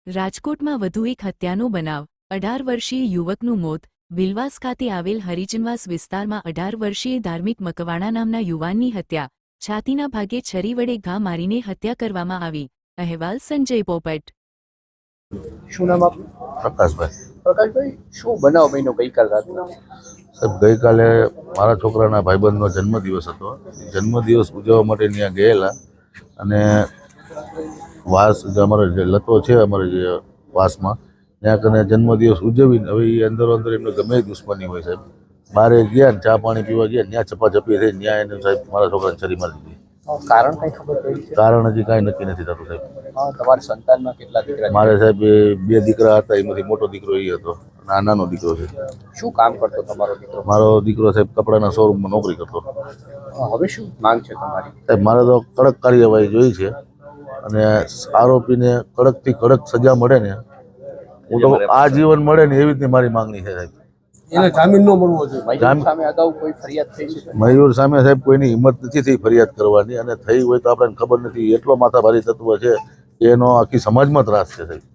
રાજકોટમાં વધુ એક હત્યાનો બનાવ 18 વર્ષીય યુવકનું મોત વિલવાસ ખાતે આવેલ હરિજનવાસ વિસ્તારમાં 18 વર્ષીય ધાર્મિક મકવાણા નામના યુવાનની હત્યા છાતીના ભાગે છરી વડે ઘા મારીને હત્યા કરવામાં આવી અહેવાલ સંજય પોપટ શું નામ આપનું? પ્રકાશભાઈ. પ્રકાશભાઈ, શું બનાવ બન્યો ગઈકાલ રાતના? સાહેબ, ગઈકાલે મારા છોકરાના ભાઈબંધનો જન્મદિવસ હતો. જન્મદિવસ ઉજવવા માટે ત્યાં ગયેલા અને વાસ જે અમારો જે લતો છે અમારે જે વાસમાં ત્યાં કને જન્મદિવસ ઉજવીને હવે એ અંદરો અંદર એમને ગમે એ દુશ્મની હોય સાહેબ. બહાર ગયા ને ચા પાણી પીવા ગયા ત્યાં ચપાચપી થઈ ત્યાં એને સાહેબ મારા છોકરાને છરી મારી દીધી. કારણ કઈ ખબર પડી છે? કારણ હજી કાંઈ નક્કી નથી થતું સાહેબ. તમારી સંતાનમાં કેટલા દીકરા છે? મારે સાહેબ બે દીકરા હતા, એમાંથી મોટો દીકરો એ હતો અને આ નાનો દીકરો છે. શું કામ કરતો તમારો દીકરો? મારો દીકરો સાહેબ કપડાના શોરૂમમાં નોકરી કરતો. હવે શું માંગ છે તમારી? સાહેબ, મારે તો કડક કાર્યવાહી જોઈ છે અને આરોપીને કડકથી કડક સજા મળે ને, હું તો આજીવન મળે ને એવી રીતની મારી માંગણી છે સાહેબ. એને જામીન ન મળવો જોઈએ. મયુર સામે અગાઉ કોઈ ફરિયાદ થઈ છે? મયુર સામે સાહેબ કોઈની હિંમત નથી થઈ ફરિયાદ કરવાની, અને થઈ હોય તો આપણને ખબર નથી. એટલો માથાભારી તત્વ છે કે એનો આખી સમાજમાં ત્રાસ છે સાહેબ.